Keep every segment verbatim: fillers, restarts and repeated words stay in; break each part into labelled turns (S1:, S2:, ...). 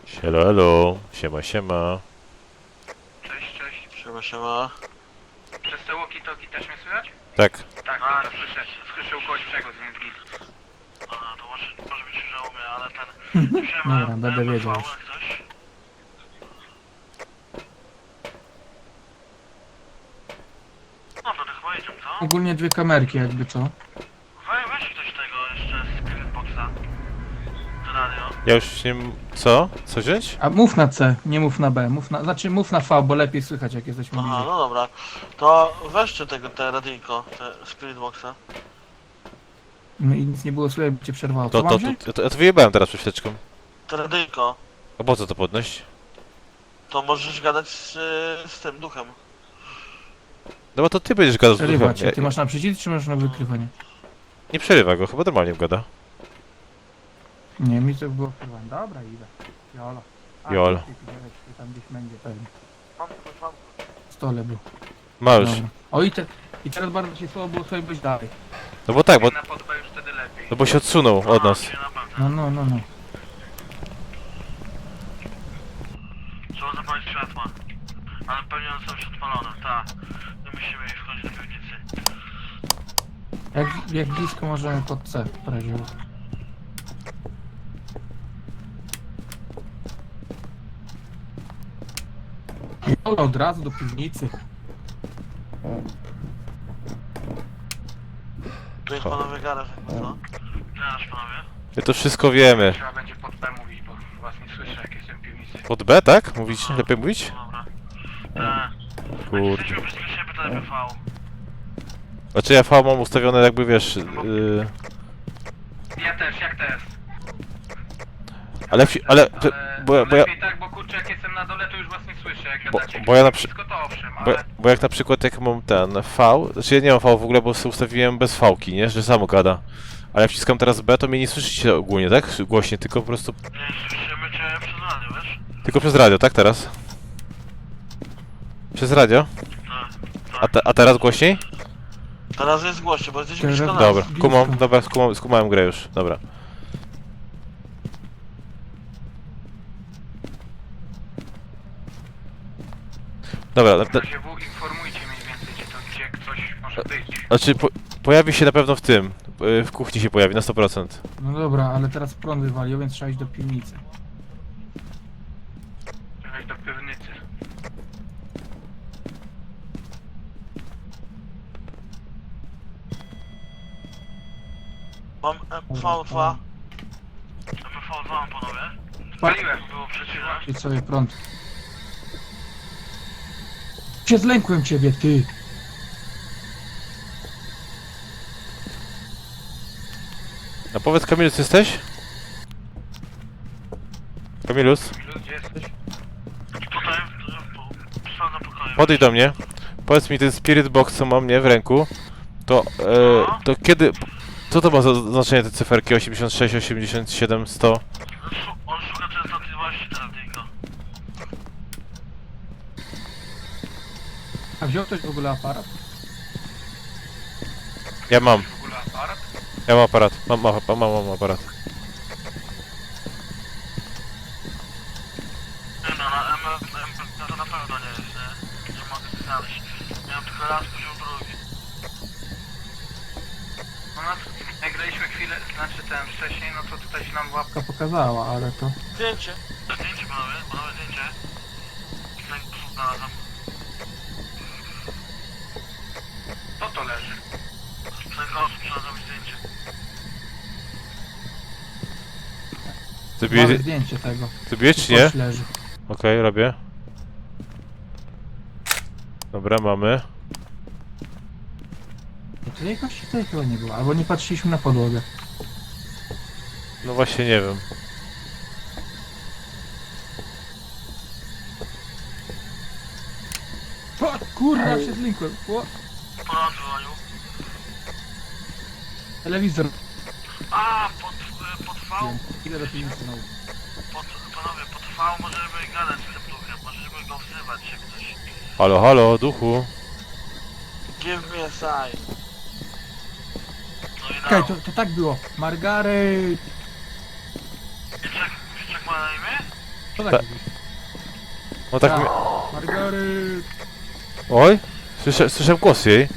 S1: Hello, hello. Siema, siema.
S2: Cześć, cześć.
S3: Siema, siema.
S2: Przez te walkie-talkie też mnie słychać?
S1: Tak.
S2: Tak,
S3: A,
S2: to słyszę, słyszę u kogoś przegłos, więc git.
S3: A, to może, może być, że u mnie, ale ten...
S4: Dobra, będę wiedział już.
S3: Ktoś? No, to chyba jedziemy, co?
S4: Ogólnie dwie kamerki jakby co.
S3: Weź, weź ktoś tego jeszcze z Spiritboxa. Z radio.
S1: Ja już nie... m- Co? Co wziąć?
S4: A mów na C, nie mów na B. Mów na, znaczy mów na V, bo lepiej słychać jak jesteśmy
S3: Aha,
S4: bliżej.
S3: no dobra. To weźcie tego, te radyjko, te Spiritboxa.
S4: No i nic nie było słychać, by cię przerwało.
S1: To,
S4: Co
S1: to,
S4: mam
S1: to,
S4: wziąć?
S1: to, to, ja to wyjebałem teraz przed chwileczką.
S3: Te radyjko.
S1: A po co to podnieść?
S3: To możesz gadać z, z tym duchem.
S1: No bo to ty będziesz gadał z
S4: Przerywa
S1: duchem.
S4: cię.
S1: Ja,
S4: Ty masz na przycisk czy masz na wykrywanie?
S1: nie przerywa go, chyba normalnie gada.
S4: Nie, mi to było wykrywanie. Dobra, idę. Jolo. A,
S1: Jolo.
S4: ty, ty, ty, ty, tam gdzieś będzie pewnie.
S3: Mam, mam.
S4: W stole był.
S1: Ma już.
S4: Dobra. O i, te, i teraz bardzo się słabo było sobie być dalej.
S1: No bo tak, bo,
S2: Na podbę już wtedy lepiej.
S1: no bo się odsunął od nas.
S3: Nie, na pewno.
S4: No, no, no, no.
S3: Trzeba zapalić światła. Ale pewnie one są już odpalone, tak. My musimy iść wchodzić do piwnicy.
S4: Jak, jak blisko możemy pod C w razie. Jolo, od razu do piwnicy.
S3: Tu jest panowie garaż, jakby co? Garaż, panowie.
S1: My to wszystko wiemy.
S2: Trzeba będzie pod B mówić, bo was nie słyszę, jak jestem w piwnicy.
S1: Pod B, tak? Mówić? Lepiej mówić?
S3: Dobra. Tak.
S1: Kurde.
S3: Jesteśmy blisko siebie, to lepiej V.
S1: Znaczy ja V mam ustawione jakby, wiesz... Yy,
S2: Ja też, jak też.
S1: ale... wsi- ale...
S2: Ale
S1: Bo, ja- bo, ja,
S2: lepiej tak, bo kurczę, jak jestem na dole, to już was nie słyszę, jak
S1: Bo-
S2: gadacie.
S1: bo ja na przy-
S2: Wszystko to owszem,
S1: bo,
S2: ale...
S1: bo jak na przykład jak mam ten V... Znaczy ja nie mam V w ogóle, bo sobie ustawiłem bez V-ki, nie? Że samo gada. Ale jak wciskam teraz B, to mnie nie słyszycie ogólnie, tak? Głośnie, tylko po prostu...
S3: Nie, słyszymy cię przez radio, wiesz?
S1: Tylko przez radio, tak teraz? Przez radio?
S3: Tak.
S1: A, te, a teraz głośniej?
S3: Teraz jest głośno, bo jesteśmy
S4: Teraz-
S3: blisko nas.
S1: Dobra,
S4: blisko.
S1: kumam, dobra, skumam, skumałem grę już, dobra. Dobra, na,
S2: W
S1: na,
S2: razie W informujcie mniej więcej, gdzie to, gdzie ktoś może być.
S1: znaczy po, pojawi się na pewno w tym, y, w kuchni się pojawi na sto procent.
S4: No dobra, ale teraz prąd wywalił, więc trzeba iść do piwnicy.
S2: Jechać do piwnicy.
S3: Mam M V dwa. M V dwa mam, panowie.
S2: Paliłem.
S3: Było przeciwne.
S4: I sobie prąd. Się zlękłem ciebie, ty!
S1: A powiedz, Kamilus, jesteś? Kamilus,
S2: Milu, gdzie jesteś?
S3: Tutaj, w na pokoju.
S1: podejdź do mnie. Powiedz mi, ten spirit box, co mam, nie, w ręku, to, e, to kiedy... Co to ma za znaczenie te cyferki osiemdziesiąt sześć, osiemdziesiąt siedem, sto?
S3: Szu- On szuka częstotliwości teraz, tylko.
S4: A wziął ktoś w ogóle aparat?
S1: Ja mam,
S2: W ogóle aparat?
S1: ja mam aparat, mam, mam, mam, mam aparat.
S3: Nie no, na M M to na pewno nie jest, nie? Nie mogę znaleźć. Miałem tylko raz poziom drugi.
S2: No nas, jak graliśmy chwilę, znaczy ten wcześniej, no to tutaj się nam łapka...
S4: To pokazała, ale to...
S3: Zdjęcie. Zdjęcie, panowie, panowie, zdjęcie. Tutaj znalazłem.
S2: Co to leży?
S3: Tutaj osób znalazłem zdjęcie.
S1: Zrobiłeś,
S4: Mamy zdjęcie tego.
S1: zrobiłeś czy nie?
S4: Kość leży.
S1: Okej, robię. Dobra, mamy.
S4: No to tej kości tutaj chyba nie było, albo nie patrzyliśmy na podłogę.
S1: No właśnie nie wiem.
S4: O, kurwa, się zlękłem. O,
S3: Ponad dzwonił.
S4: telewizor.
S3: A, pod, y, pod V?
S4: Idę do piwnicy znowu.
S3: Pod, panowie, pod V możemy gadać z tym duchem, możemy go wzywać, jak coś.
S1: Halo, halo, duchu.
S3: Give me a sign. No i
S4: Czekaj,
S3: now.
S4: to, to tak było. Margaret!
S3: Wieczek, Wieczek ma na imię?
S4: Co
S1: Ta-
S4: tak mówisz?
S1: No tak
S4: Tak.
S1: mi...
S4: Margaret!
S1: Oj, słyszę, słyszę głos jej.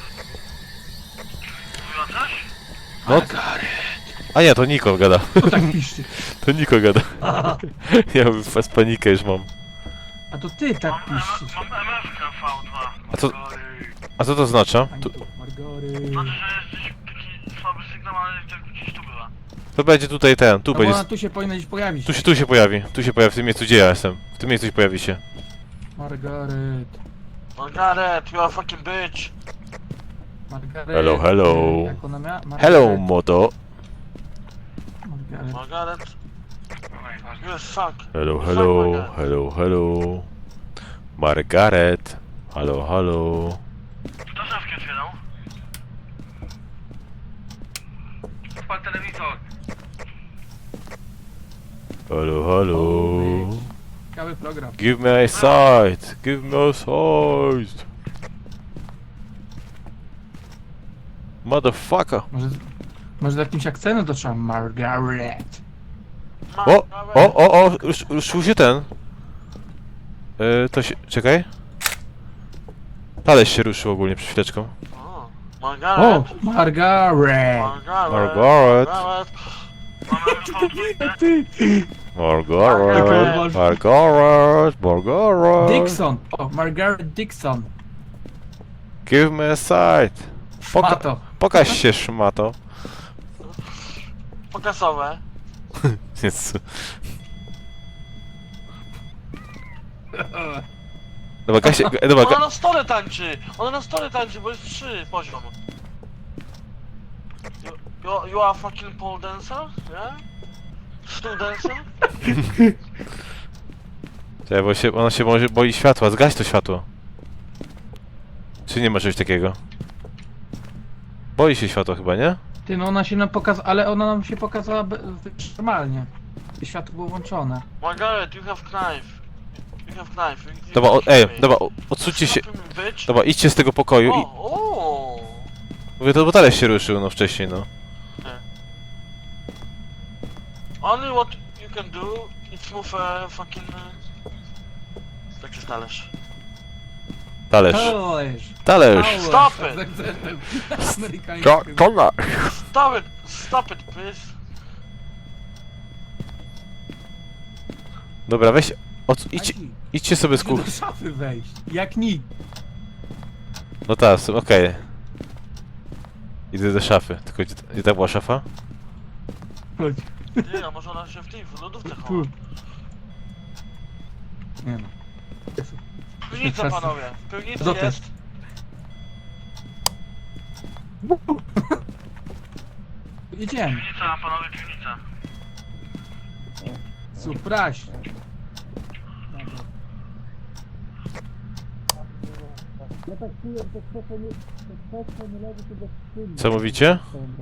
S3: Mówiła coś?
S1: No. A nie, to Niko gada.
S4: Co tak piszczy?
S1: To Niko gada. Ja z panikę już mam.
S4: A to ty tak
S3: Mam,
S4: piszczysz.
S3: mam M F K V dwa.
S1: A co, a co to oznacza?
S4: Ani
S1: Tu,
S4: tu. Margaret.
S3: Znaczy, że jesteś taki słaby sygnał, ale jak gdzieś tu była.
S1: to będzie tutaj ten, tu
S4: No bo
S1: będzie...
S4: ona tu się powinna gdzieś pojawić.
S1: Tu się, tu się pojawi, tu się pojawi, w tym miejscu gdzie ja jestem. W tym miejscu się pojawi się.
S4: Margaret.
S3: Margaret, you are fucking bitch.
S4: Margaret.
S1: Hello, hello.
S4: Jak ona miała? Margaret.
S1: Hello, moto.
S4: Margaret.
S3: Margaret,
S2: Oj, ważne.
S3: you are fuck.
S1: Hello, hello, hello, hello. Margaret. Halo, halo.
S3: Kto szafki otwierał?
S2: Odpal telewizor.
S1: Halo, halo.
S4: Ciekawy program.
S1: Give me a sight. Give me a sight. Motherfucker.
S4: Może, może z jakimś akcentem to trzeba Margaret.
S1: O, o, o, o, rusz- ruszył się ten. Yy, to się, czekaj. Talerz się ruszył ogólnie przed chwileczką.
S3: O,
S4: O!
S3: Margaret.
S4: Margaret!
S3: Margaret.
S1: Margaret.
S3: Margaret. Mamy
S4: Ty!
S1: Margaret, Margaret, Margaret.
S4: Dixon! O, Margaret Dixon!
S1: Give me a sight. Poka
S4: Szmato!
S1: pokaż się, szmato.
S3: pokasowe.
S1: Jezu. Dobra, Kasia, dobra,
S3: Ona
S1: Ka
S3: na stole tańczy! Ona na stole tańczy, bo jest trzy poziom. You, you, you are fucking pole dancer? Yeah? Stool dancer?
S1: Czekaj, bo się, ona się może boi światła, zgaś to światło. Czy nie ma czegoś takiego? Boi się światła chyba, nie?
S4: Ty, no ona się nam pokazała, ale ona nam się pokazała be- normalnie. I światło było włączone.
S3: Margaret, you have knife. You have knife. You, you
S1: Dobra, o,
S3: can
S1: ej,
S3: shoot me.
S1: dobra, o- odsuńcie się.
S3: Stop him, bitch.
S1: Dobra, idźcie z tego pokoju i...
S3: O, o.
S1: Mówię, to bo talerz się ruszył, no wcześniej, no.
S3: Only what you can do is move a fucking... Uh, taki talerz.
S1: Talerz.
S4: Talerz!
S1: Talerz.
S3: Stop it!
S4: Z akcentem
S1: To,
S4: amerykańskim.
S1: talerz.
S3: Stop it! Stop it, please.
S1: Dobra, weź... Od, idź,
S4: Adi,
S1: idźcie sobie z
S4: musimy
S1: kuchni.
S4: do szafy wejść. Jak nikt.
S1: No tak, s- okej. Idę do szafy. Tylko gdzie, gdzie ta była szafa?
S4: Chodź.
S3: Nie, a może ona się w tej w lodówce
S4: Tu.
S3: chowa.
S4: Nie no.
S3: Piwnica, panowie. W piwnicy
S4: Co to
S3: jest.
S4: Idziemy.
S3: Piwnica, panowie, piwnica.
S4: Supraś.
S1: Co mówicie?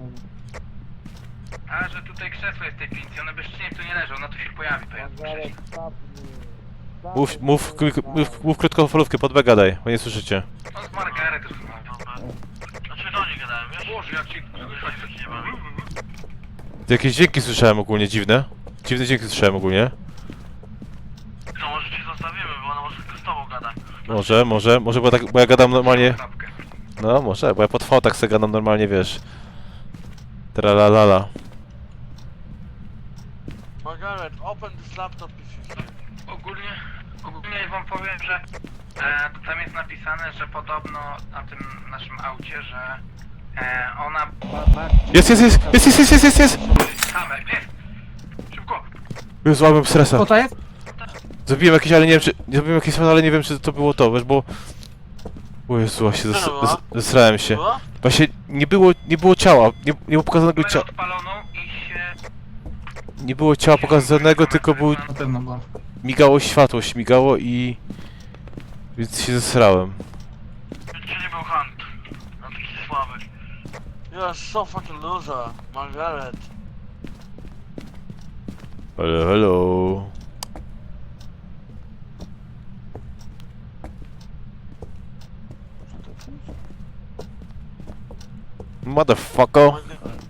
S2: A, że tutaj krzesło jest w tej pincji, one bezczynnie tu nie leżą, ona tu się pojawi, to ja tu wcześniej.
S1: Mów, mów, mów, mów, mów krótkofalówkę, pod B gadaj, bo nie słyszycie.
S2: On z Margaret rozmawia.
S3: Dobra. Znaczy do niej gadałem, wiesz?
S2: Boże, jak ci...
S3: Nie bawi.
S1: Jakieś dźwięki słyszałem ogólnie, dziwne. Dziwne dźwięki słyszałem ogólnie.
S3: To może ci zostawimy, bo ona może tylko z tobą gada.
S1: Może, może, może, bo, tak, bo ja gadam normalnie...
S2: Zapkę.
S1: No, może, bo ja pod V tak sobie gadam normalnie, wiesz. Tralalala.
S3: Margaret, open this laptop if you feel.
S2: Ogólnie, ogólnie wam powiem, że e, tam jest napisane, że podobno na tym naszym aucie, że e, ona...
S1: Jest, jest, jest, jest, jest, jest, jest, jest, jest!
S2: Kamer, jest! Szybko!
S1: Już złamałem stresa.
S4: Co to jest?
S1: Zabiłem jakieś, ale nie wiem czy... Zabiłem jakieś, ale nie wiem czy to było to, wiesz, bo... O Jezu, właśnie zes, zes, zesrałem się.
S3: Była?
S1: Właśnie nie było, nie było ciała, nie, nie było pokazanego
S2: Kamerę
S1: ciała.
S2: odpaloną i się...
S1: Nie było ciała pokazanego, tylko był...
S4: Na pewno była.
S1: Migało światło, śmigało i... Więc się zesrałem.
S3: Czy nie był Hunt? No taki słaby. You are so fucking loser, Margaret.
S1: Hello, hello. Motherfucker.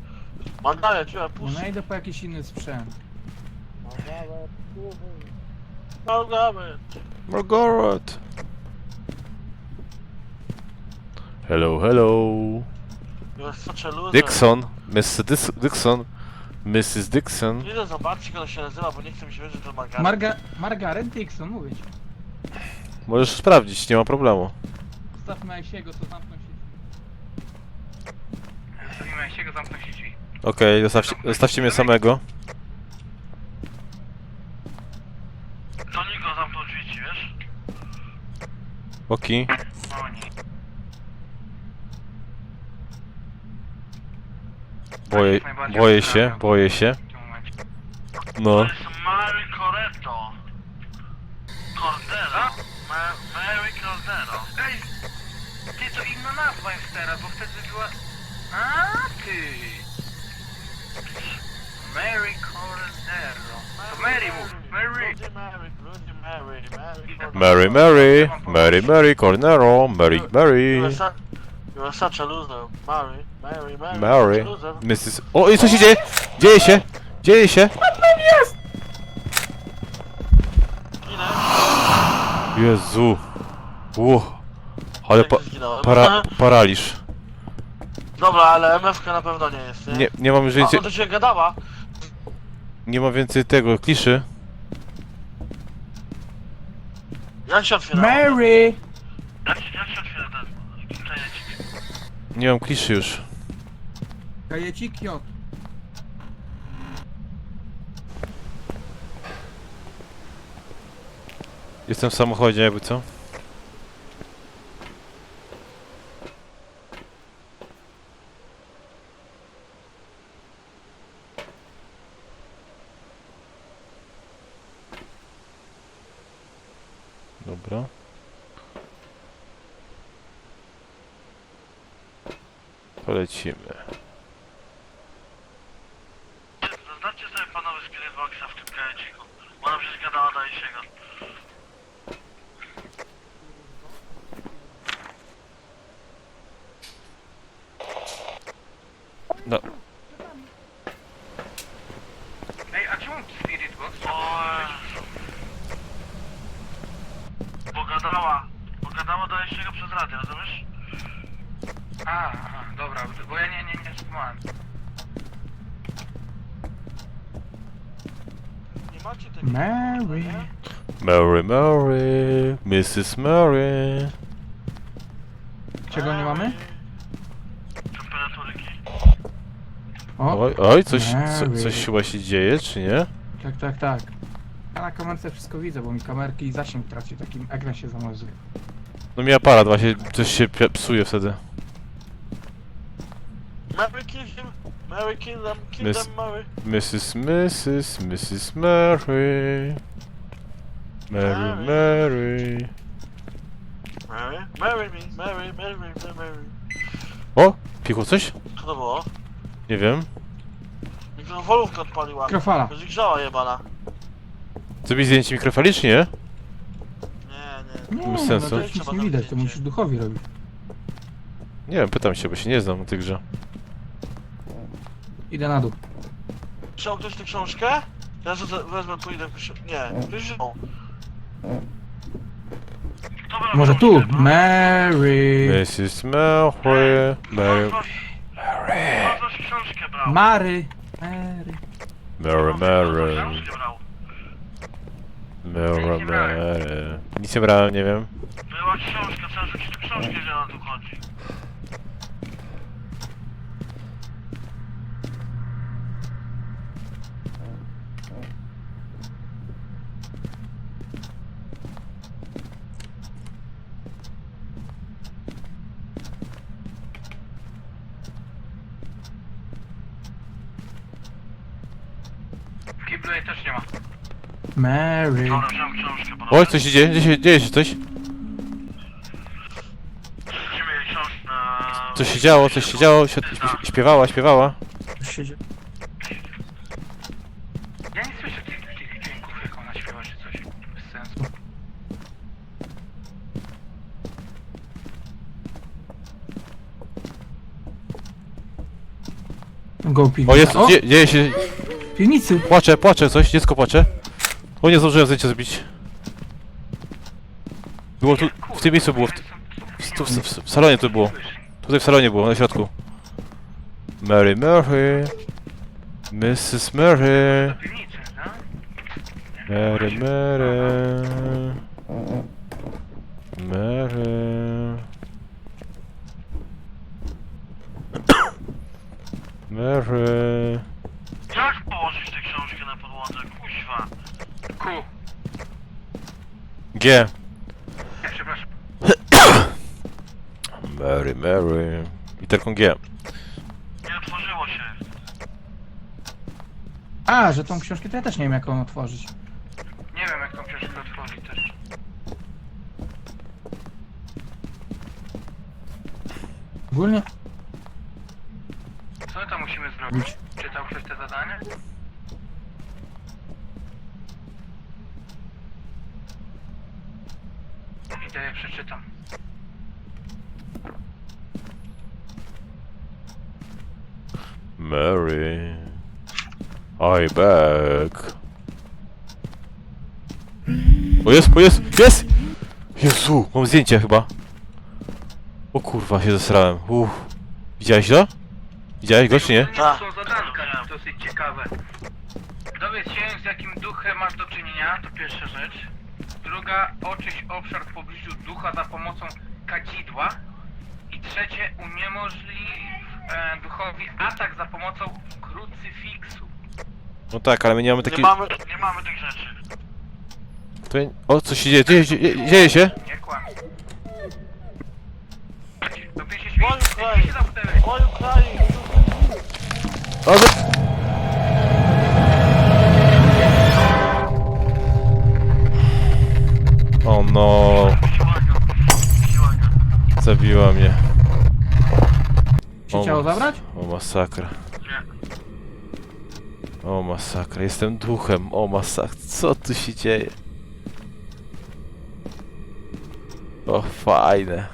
S3: Margaret, you are
S4: Nie
S3: pussy.
S4: najdę po jakiś inny sprzęt.
S3: Margaret.
S1: Margaret! Hello, hello!
S3: You're such a loser.
S1: Dixon! mister Dis Dixon! missus Dixon!
S3: Idę zobaczyć, jak ona się nazywa, bo nie chcę mi się wierzyć, że to Margaret.
S4: Marga Margaret Dixon, mówię ci.
S1: Możesz sprawdzić, nie ma problemu.
S4: Zostawmy Aisiego, to zamknął się.
S2: Zostawimy się go, zamknąć się drzwi.
S1: Okej, zostawcie, zostawcie mnie samego.
S3: To Niko zamknął drzwi ci, wiesz?
S1: Oki.
S2: O nie.
S1: Boję, boję się, boję się.
S2: W tym momencie.
S1: No.
S3: To jest Mary Coretto. Cordero. Ma Mary Cordero.
S2: Ej! Ty, to inna nazwa jest teraz, bo wtedy była... A ty! Mary Cordero. To Mary mów, Mary!
S3: Bloody Mary, Bloody Mary, Mary
S1: Mary, Mary, Mary, Mary, Cornero, Mary,
S3: You
S1: Mary,
S3: are, su you are such a loser. Mary, Mary, Mary,
S1: Mary,
S3: such a loser.
S1: missus O, i co się dzieje? Dzieje się! Dzieje się!
S3: Ginę.
S1: Jezu! Uch. Ale pa
S3: Jak zginąłem.
S1: para paraliż.
S3: Dobra, ale M F K na pewno nie jest, nie?
S1: Nie, nie mam już
S3: A,
S1: więcej,
S3: on do ciebie gadała.
S1: nie mam więcej tego, kliszy.
S3: Jak się otwiera?
S4: Mary!
S3: Jak się, jak się otwiera ten kajecik?
S1: Nie mam kliszy już.
S4: Kajecik J.
S1: Jestem w samochodzie, jakby co? Dobra. Polecimy.
S3: Zaznaczcie sobie panowie Spirit Boxa w tym kajeciku. Bo ona przecież gadała do Isiego.
S1: No.
S2: Ej, a czemu Spirit Box?
S3: Oj. Bo gadała. Bo gadała do Isiego przez radio, rozumiesz?
S2: A, aha, dobra, bo ja nie, nie, nie słuchałem.
S3: Nie macie tego.
S4: Mary.
S3: nie?
S1: Mary, Mary, missus Mary.
S4: Czego nie mamy?
S3: Temperaturyki.
S4: O,
S1: Oj, oj, coś, co,
S4: Mary.
S1: coś chyba się dzieje, czy nie?
S4: tak, tak, tak. Ja na kamerce wszystko widzę, bo mi kamerki i zasięg traci, takim ekran się zamazuje.
S1: No mi aparat właśnie, coś się pi- psuje wtedy.
S3: Mary kill him. Mary kill them. Kill
S1: Miss-
S3: them, Mary.
S1: missus missus missus Mary. Mary, Mary.
S3: Mary. Marry me. Mary, Mary, Mary, Mary.
S1: O! Pichło coś?
S3: Co to było?
S1: Nie wiem.
S3: Mikrofalówkę odpaliła.
S4: Mikrofala.
S3: Będzie grzała jebana.
S1: Zrobić zdjęcie mikrofali, czy nie?
S3: Nie, nie.
S4: Nie,
S1: Bez
S4: no
S1: sensu.
S4: to już nic nie widać, to musisz duchowi robić.
S1: Nie wiem, pytam się, bo się nie znam na tej grze.
S4: Idę na dół.
S3: Wziął ktoś tę książkę? Ja sobie wezmę, pójdę. Nie, ktoś wziął.
S4: Może tu? Mary.
S1: missus Mary. Mary.
S3: Ktoś książkę brał.
S4: Mary. Mary.
S1: Mary, Mary.
S3: Książkę brał.
S1: Mary, Mary. Nic nie brałem, nie wiem.
S3: Była książka, trzeba rzucić tę książkę, że ona tu chodzi.
S2: W kiblu jej też nie ma.
S4: Mary.
S3: Dobra, wziąłem książkę, bo...
S1: Oj, coś się dzieje, dzieje się, dzieje się coś.
S3: Rzucimy jej książkę na...
S1: Coś się działo, coś się działo, śpie- śpiewała, śpiewała.
S4: Coś się dzieje.
S2: Ja nie słyszę tych, tych dźwięków, jak ona śpiewa czy coś. Bez sensu.
S4: Go piwnica.
S1: O, jest,
S4: O,
S1: dzie, dzieje się,
S4: w piwnicy.
S1: płacze, płacze coś, dziecko płacze. O, nie zdążyłem zdjęcia zrobić. Było tu, w tym miejscu było, w, w, tu, w, w, w salonie to było. Tutaj w salonie było, na środku. Mary Mary. missus Mary.
S2: Do piwnicy, no?
S1: Mary Mary. Mary. Mary.
S3: Jak położyć tę książkę na podłodze? Kuźwa.
S2: Ku.
S1: G.
S2: Nie, przepraszam.
S1: Mary Mary. Literką G.
S3: Nie otworzyło się.
S4: A, że tą książkę to ja też nie wiem jak ją otworzyć.
S2: Nie wiem, jak tą książkę otworzyć też.
S4: Ogólnie
S2: Co my tam musimy zrobić? Czytał ktoś te zadanie? Idę je przeczytam.
S1: Mary. I back. O jest, o jest, jest! Jezu, mam zdjęcie chyba. O kurwa, się zesrałem. Uff. Widziałeś to? Widziałeś go czy nie?
S2: To
S3: Tak.
S2: są zadanka dosyć ciekawe. Dowiedz się, z jakim duchem masz do czynienia, to pierwsza rzecz. Druga, oczyść obszar w pobliżu ducha za pomocą kadzidła. I trzecie, uniemożliw e, duchowi atak za pomocą krucyfiksu.
S1: No tak, ale my nie mamy
S3: Nie
S1: takiej...
S3: mamy, nie mamy tych rzeczy.
S1: To... O, co się dzieje? Dzieje, dzieje, dzieje się?
S2: Nie kłam. To ty się
S3: Oj,
S2: świeci,
S3: kraj.
S2: ty się zamknęłeś.
S3: Oj, kraj.
S1: O, za... O no,
S3: Siłaga. Siłaga.
S1: zabiła mnie.
S4: się
S1: O,
S4: chciało zabrać?
S1: O masakra.
S3: Nie.
S1: O masakra, jestem duchem. O masakra, co tu się dzieje? O fajne.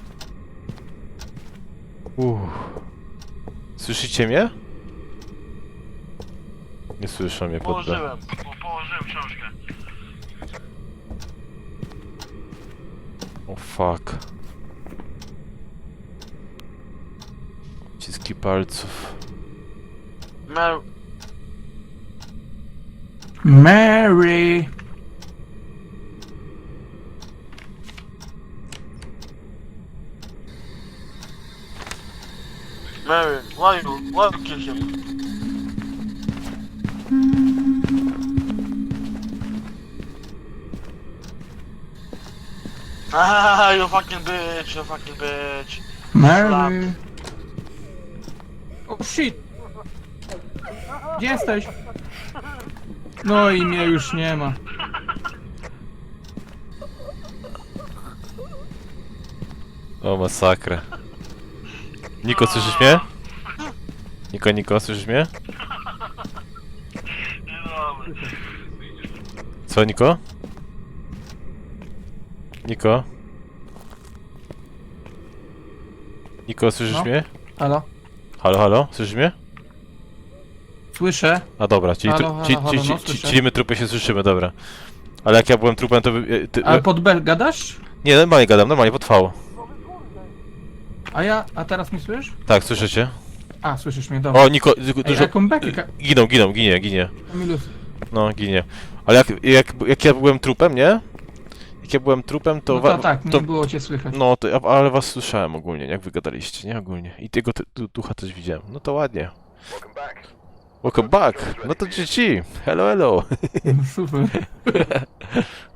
S1: Uff. Słyszycie mnie? Nie słyszę mnie pod B.
S3: Położyłem. Po, położyłem książkę.
S1: O fuck. Ciski palców.
S3: Mer...
S4: Mary!
S3: Mary, why you, why you kill him? Ah, you fucking bitch, you fucking bitch.
S4: Mary! O shit! Gdzie jesteś? No i mnie już nie ma.
S1: O masakra. Niko, słyszysz mnie? Niko, Niko, słyszysz mnie?
S3: Niedobre.
S1: Co, Niko? Niko? Niko, słyszysz
S4: No.
S1: mnie?
S4: Halo?
S1: Halo, halo, słyszysz mnie?
S4: Słyszę.
S1: A dobra, czyli,
S4: Halo,
S1: tru-
S4: halo,
S1: ci,
S4: halo,
S1: ci,
S4: no,
S1: ci,
S4: słyszę.
S1: czyli my trupy się słyszymy, dobra. Ale jak ja byłem trupem, to... By, ty,
S4: Ale pod B gadasz?
S1: Nie, normalnie gadam, normalnie, potwało.
S4: A ja, a teraz mi słyszysz?
S1: Tak, słyszycie?
S4: A, słyszesz mnie, dobra.
S1: O, Niko, du-
S4: Ej,
S1: dużo...
S4: jaką bekę, ka-
S1: Giną, giną, ginie, ginie.
S4: Kamilus.
S1: No, ginie. Ale jak, jak, jak ja byłem trupem, nie? Jak ja byłem trupem, to...
S4: No
S1: wa-
S4: to tak, nie
S1: to
S4: było cię słychać.
S1: No, to, ja- ale was słyszałem ogólnie, jak wy gadaliście, nie? Ogólnie. I tego ty- tu- ducha też widziałem. No to ładnie. Welcome back! No to G G! Hello, hello!
S4: Super.